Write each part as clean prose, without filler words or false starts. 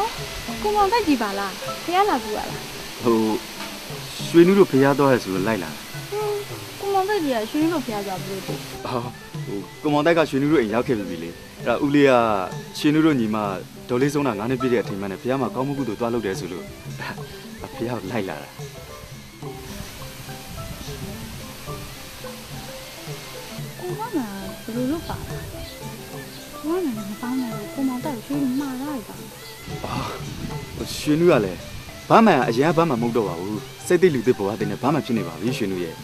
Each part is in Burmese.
ကိုမောင်တက်ကြည့်ပါလားဖះလာဘူးလားဟိုရွှေနုတို့ဖျားသွားရဆိုလို့လိုက်လာကိုမောင်တက်ကြီးကရွှေလို့ဖះသွားဘူးလို့ဟိုကိုမောင်တိုက်ကရွှေနုတို့အိမ်ရောက်ခဲ့ပြီလေအဲ့ဒါဦးလေးကရွှေနုတို့ညီမဒေါ်လေးဆုံးတာ9နှစ်ပြည့်တဲ့အချိန်မှနဲ့ဖျားမှာကောင်းမှုကုသိုလ်သွားလုပ်တယ်ဆိုလို့ဖျားကိုလိုက်လာတာကိုမောင်ကဘယ်လိုလုပ်ပါလဲကိုမောင်လည်းမပေါင်းနဲ့ကိုမောင်တက်ရွှေမှားလိုက်တာရွှေနုကလည်းဘာမှအရင်ကဘာမှမဟုတ်တော့ပါဘူးစိတ်သိလူသိပေါ်တဲ့နဲ့ဘာမှဖြစ်နေပါဘူးရွှေနုရဲ့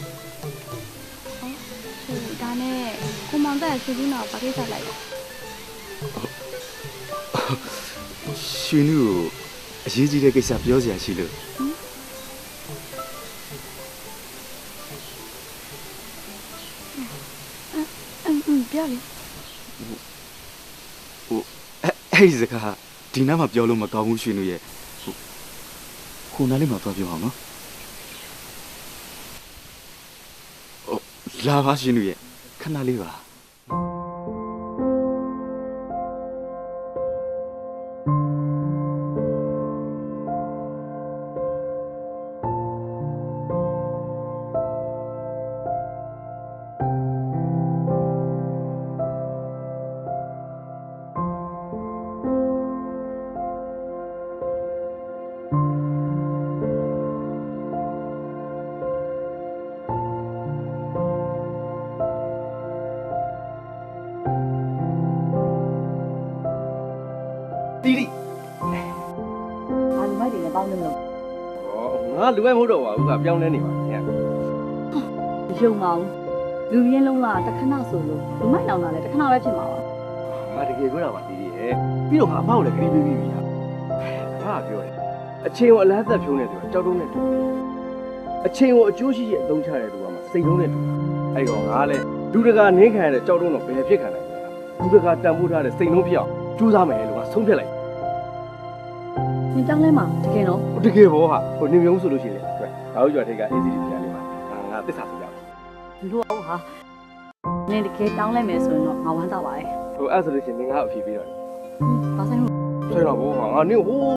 ဒါနဲ့ကိုမောင်တက်ရွှေလူနာကိုဘာကိစ္စလိုက်လဲရွှေနုကိုအရေးကြီးတဲ့ကိစ္စပြောစရာရှိလို့ပြောလေအဲ့ဒီစကားဒီနားမှာပြောလို့မကောင်းဘူးရွှေနုရဲ့ခုနားလေးမှာသွားပြောအောင်နော်လာပါရွှေနုရဲ့ခဏလေးပါတီတီအားလူမိုက်တွေနဲ့ပေါင်းနေမလို့ငါလူပဲမဟုတ်တော့ပါဘူးကပြောင်းလဲနေပါခင်ဗျာမယုံပါဘူးလူရင်းလုံးလားတခဏဆိုလို့လူမိုက်လောင်တာလည်းတခဏပဲဖြစ်မှာပါငါတကယ်ပြောတာပါတီတီရဲ့ပြီးတော့ငါအဖောက်လည်းခရီးပေးပြီးပြီဟာဘာပြောလဲအချင်းကိုအလားသက်ဖြုံးနေတယ်သူကကြောက်တုံးနဲ့တူအချင်းကိုအကျိုးရှိရှိအသုံးချတဲ့သူကမှစိတ်လုံးနဲ့တူအဲ့တော့ငါလည်းလူတကာနင်းခံရတဲ့ကြောက်တုံးတော့ဘယ်ဖြစ်ခံနိုင်လဲလူတကာတန်ဖိုးထားတဲ့စိတ်လုံးဖြစ်အောင်ကြိုးစားမယ်လို့ကဆုံးဖြတ်လိုက်နင်ကြောင်းလဲမှာတကယ်တော့တကယ်ဘောဟာဟိုနေမျိုးဆိုလို့ရှိရင်လေငါတို့ကြွားထိတ်က ACD ပြန်လေးမှာငါသစ္စာပြကြတယ်လူတော့ဟာနင်တကယ်တောင်းလိုက်မယ်ဆိုရင်တော့ငါဝမ်းသာပါတယ်ဟိုအဲ့ဆိုလို့ရှိရင်ငါ့အဖြေပေးတော့တယ်ဘာဆိုင်လို့ဆွဲတော့ဘောဟာငါနင်းဟိုး